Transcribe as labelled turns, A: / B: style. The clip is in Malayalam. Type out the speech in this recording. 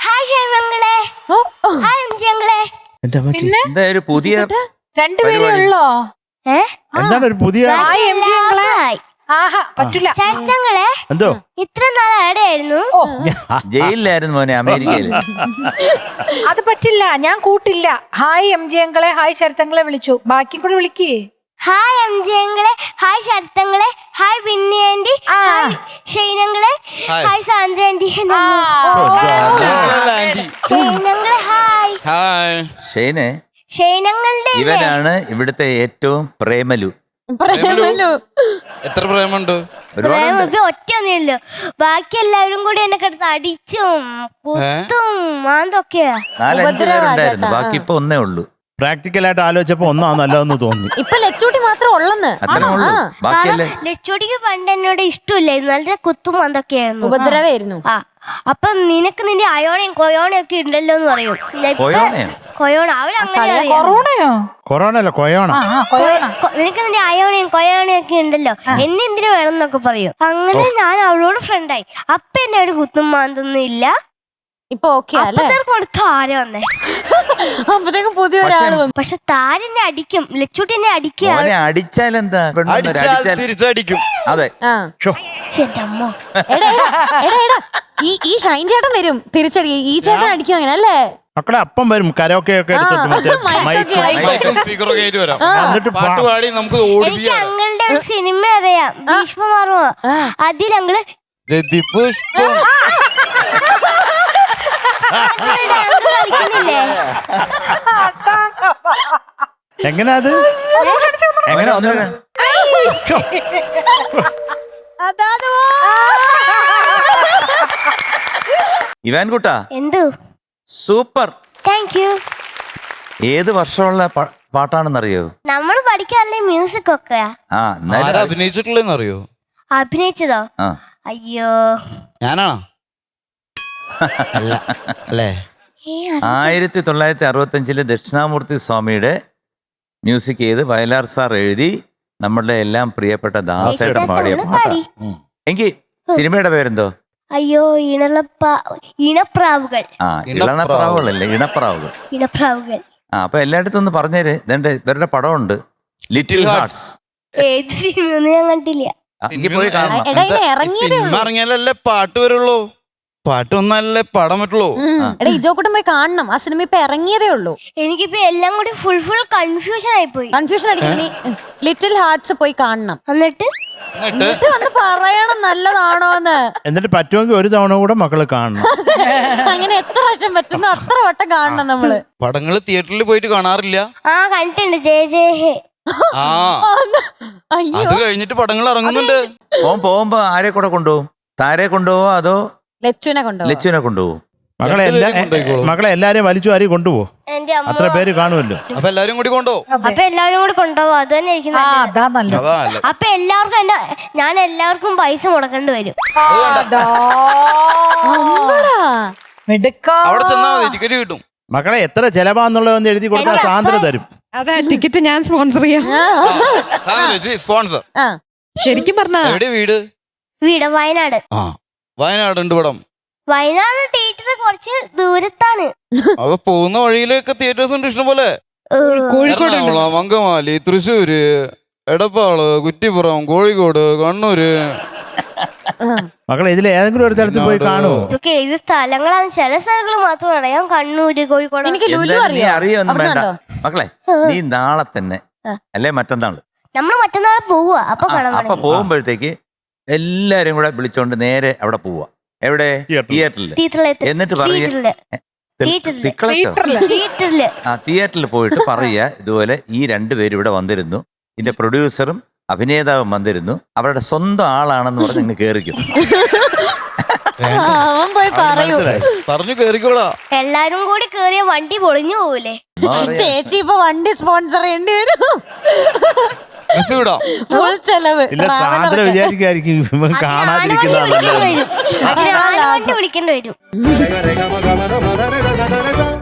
A: ഹായ് ഷൈമങ്ങളെ. ഹായ് എംജിങ്ങളെ.
B: എന്താ ഒരു പുതിയ
C: രണ്ടുപേരേ ഉള്ളോ?
D: എന്താണ് ഒരു പുതിയ
C: പറ്റില്ല
A: ചേട്ടങ്ങളെ.
D: എന്തോ
A: ഇത്ര നാൾ എവിടെയായിരുന്നു?
B: ജയിലിലായിരുന്നു മോനെ, അമേരിക്കയില്.
C: അത് പറ്റില്ല, ഞാൻ കൂട്ടില്ല. ഹായ് എംജിങ്ങളെ, ഹായ് ശരത്തങ്ങളെ വിളിച്ചു, ബാക്കി കൂടെ വിളിക്കേ.
A: ഹായ് എംജിങ്ങളെ, ഹായ് ശരത്തങ്ങളെ, ഹായ് ബിന്നി ആന്റി, ഹായ് ഷൈനങ്ങളെ, ഹായ് സാന്ദ്ര ആന്റി. ഷൈനങ്ങളെ ഹായ്.
B: ഷെയ്നെ,
A: ഷൈനങ്ങളുടെ
B: ഇവനാണ് ഇവിടുത്തെ ഏറ്റവും പ്രേമലു.
E: എത്ര പ്രേമുണ്ട്?
A: ഒറ്റൊന്നുമില്ലോ, ബാക്കി എല്ലാവരും കൂടി എന്നെ കിടന്ന് അടിച്ചും കുത്തും മാന്തൊക്കെയാ.
B: 4-5 പേരുണ്ടായിരുന്നു, ബാക്കി ഇപ്പൊ ഒന്നേ ഉള്ളൂ.
D: പ്രാക്ടിക്കലായിട്ട് ആലോചിച്ചപ്പോ ഒന്നാ നല്ലതെന്ന് തോന്നി.
F: ഇപ്പൊ ലച്ചൂട്ടി മാത്രം ഉള്ളെന്ന്.
B: അത്രേ ഉള്ളൂ, ബാക്കിയല്ലേ.
A: ലച്ചോടിക്ക് പണ്ട് എന്നോട് ഇഷ്ടമില്ലായിരുന്നു, നല്ല കുത്തും മാന്തൊക്കെയായിരുന്നു,
F: ഉപദ്രവായിരുന്നു.
A: അപ്പൊ നിനക്ക് നിന്റെ അയോണയും കൊയോണയും ഒക്കെ ഉണ്ടല്ലോ എന്ന് പറയും. കൊയോണ അവരങ്ങനെ
C: കൊറോണയോ?
D: കൊറോണ അല്ല, കൊയോണ.
A: നിനക്ക് നിന്റെ അയോണയും കൊയോണയും ഒക്കെ ഉണ്ടല്ലോ, എന്നെ എന്തിനു വേണം എന്നൊക്കെ പറയും. അങ്ങനെ ഞാൻ അവളോട് ഫ്രണ്ടായി. അപ്പൊ എന്നെ ഒരു കുത്തും മാന്തൊന്നും ഇല്ല.
F: ഇപ്പൊ ഓക്കെ അല്ലേ?
A: താര വന്നേ,
F: അപ്പത്തേക്കും പുതിയ ഒരാള് വന്നു.
A: പക്ഷെ താരെന്നെ അടിക്കും, ലച്ചൂട്ടി എന്നെ അടിക്കുക.
B: അടിച്ചാലെന്താ,
E: തിരിച്ചടിക്കും.
B: അതെ.
A: എന്റെ അമ്മ,
F: ഈ ഷൈൻ ചേട്ടൻ വരും തിരിച്ചടി, ഈ ചേട്ടൻ അടിക്കും അങ്ങനെ അല്ലേ?
D: മക്കളെ അപ്പം വരും, കരോക്കെ ഒക്കെ
E: പാട്ടുപാടി നമുക്ക്
A: എനിക്ക് അങ്ങളുടെ ഒരു സിനിമ അറിയാം, ഭീഷ്മമാർമ്മ. അതിലങ്ങള് കളിക്കുന്നില്ലേ?
D: എങ്ങനെയാ അത്? എങ്ങനെ
B: ഇവാൻ കുട്ടാ,
A: എന്തു
B: സൂപ്പർ,
A: താങ്ക് യു.
B: ഏത് വർഷമുള്ള പാട്ടാണെന്നറിയോ?
A: നമ്മള് പഠിക്കാറില്ലേ മ്യൂസിക് ഒക്കെ?
E: അഭിനയിച്ചിട്ടുള്ളതെന്നറിയോ?
A: അഭിനയിച്ചതോ? അയ്യോ,
E: ഞാനാണോ? അല്ലേ?
B: 1965 ദക്ഷിണാമൂർത്തി സ്വാമിയുടെ മ്യൂസിക് ചെയ്ത് വയലാർ സാർ എഴുതി നമ്മളുടെ എല്ലാം പ്രിയപ്പെട്ട ദാസേട്ടൻ പാടിയ പാട്ടാ. എങ്കിൽ സിനിമയുടെ പേരെന്തോ?
A: അയ്യോ, ഇണപ്രാവുകൾ.
B: ഇളണപ്രാവുകളല്ലേ, ഇണപ്രാവുകൾ.
A: ഇണപ്രാവുകൾ.
B: അപ്പൊ എല്ലായിടത്തും ഒന്ന് പറഞ്ഞേര്. ഇവരുടെ പടമുണ്ട്, ലിറ്റിൽ ഹാർട്ട്സ്.
A: ഏത് സിനിമയൊന്നും ഞാൻ കണ്ടില്ല.
B: പോയി കാണണം.
E: സിനിമ ഇറങ്ങിയാലല്ലേ പാട്ട് വരുള്ളൂ, പാട്ട് ഒന്നല്ലേ പാടാൻ പറ്റുള്ളൂ.
F: ഇജോക്കൂട്ടം പോയി കാണണം, ആ സിനിമ ഇപ്പൊ ഇറങ്ങിയതേ ഉള്ളൂ.
A: എനിക്കിപ്പോ എല്ലാം കൂടി ഫുൾ കൺഫ്യൂഷൻ ആയിപ്പോയി.
F: കൺഫ്യൂഷൻ അടിക്കണി, ലിറ്റിൽ ഹാർട്ട്സ് പോയി കാണണം.
A: എന്നിട്ട്
F: വന്ന് പറയണം നല്ലതാണോന്ന്.
D: എന്നിട്ട് പറ്റുമെങ്കിൽ ഒരു തവണ കൂടെ മക്കള് കാണണം.
F: അങ്ങനെ എത്ര വർഷം പറ്റുന്നു അത്ര വട്ടം കാണണം നമ്മള്.
E: പടങ്ങള് തിയേറ്ററിൽ പോയിട്ട് കാണാറില്ല?
A: കണ്ടിട്ടുണ്ട്, ജയ ജയ ഹേ.
E: അത് കഴിഞ്ഞിട്ട് പടങ്ങൾ ഇറങ്ങുന്നുണ്ട്.
B: പോകുമ്പോ ആരെ കൂടെ കൊണ്ടുപോകും? താരെ കൊണ്ടുപോവോ അതോ
F: ലച്ചുവിനെ കൊണ്ടുപോകും?
D: മക്കളെ എല്ലാരെയും വലിച്ചു വാരി കൊണ്ടുപോകും. അത്ര പേര് കാണുമല്ലോ.
E: അപ്പൊ എല്ലാരും കൂടി കൊണ്ടുപോകും.
A: അപ്പൊ എല്ലാവരും കൂടി കൊണ്ടുപോകും, അത് തന്നെ എനിക്ക് നല്ലത്. അപ്പൊ ഞാൻ എല്ലാവർക്കും പൈസ മുടക്കേണ്ടി വരും.
E: അവിടെ ചെന്നാ മതി, ടിക്കറ്റ് കിട്ടും.
D: മക്കളെ എത്ര ചെലവാന്നുള്ളതെന്ന് എഴുതി കൊടുത്താൽ സാന്ദ്ര തരും.
G: അതെ, ടിക്കറ്റ് ഞാൻ സ്പോൺസർ ചെയ്യാം.
E: സ്പോൺസർ
G: ശരിക്കും പറഞ്ഞാ
E: വീട്
A: വയനാട്.
E: വയനാടുണ്ട് പടം.
A: വയനാട് തിയേറ്റർ കുറച്ച് ദൂരത്താണ്.
E: അപ്പൊ പോകുന്ന വഴിയിലൊക്കെ തിയേറ്റേഴ്സ് ഉണ്ട് ഇഷ്ടം പോലെ. എറണാകുളം, അങ്കമാലി, തൃശ്ശൂര്, എടപ്പാള്, കുറ്റിപ്പുറം, കോഴിക്കോട്, കണ്ണൂര്.
D: മക്കളെ ഇതിൽ ഏതെങ്കിലും ഒരു സ്ഥലത്ത് പോയി കാണുമോ?
A: ഇതൊക്കെ ഏത് സ്ഥലങ്ങളാണ്? ചില സ്ഥലങ്ങൾ മാത്രം അറിയാം, കണ്ണൂര്, കോഴിക്കോട്.
B: നീ അറിയൊന്നും വേണ്ട മക്കളെ. നീ നാളെ തന്നെ അല്ലെ മറ്റന്നാള്
A: നമ്മൾ മറ്റന്നാളെ പോവുക. അപ്പൊ
B: പോകുമ്പോഴത്തേക്ക് എല്ലാരും കൂടെ വിളിച്ചോണ്ട് നേരെ അവിടെ പോവാ. എവിടെ? തിയേറ്ററിൽ. എന്നിട്ട് തിയേറ്ററിൽ പോയിട്ട് പറയുക, ഇതുപോലെ ഈ 2 പേര് ഇവിടെ വന്നിരുന്നു, ഇതിന്റെ പ്രൊഡ്യൂസറും അഭിനേതാവും വന്നിരുന്നു, അവരുടെ സ്വന്തം ആളാണെന്ന് പറഞ്ഞ് നിങ്ങൾ കേറിക്കും.
E: പറഞ്ഞു കേറിക്കോടാ.
A: എല്ലാരും കൂടി കേറിയ വണ്ടി പൊളിഞ്ഞു പോകൂലേ?
F: ചേച്ചി ഇപ്പൊ വണ്ടി സ്പോൺസർ ചെയ്യേണ്ടി വരും. ഫുൾ ചെലവ്.
D: ഇല്ല, സാന്ദ്ര വിചാരിക്കായിരിക്കും കാണാതിരിക്കുന്നതാണ്.
A: വിളിക്കേണ്ടി വരും.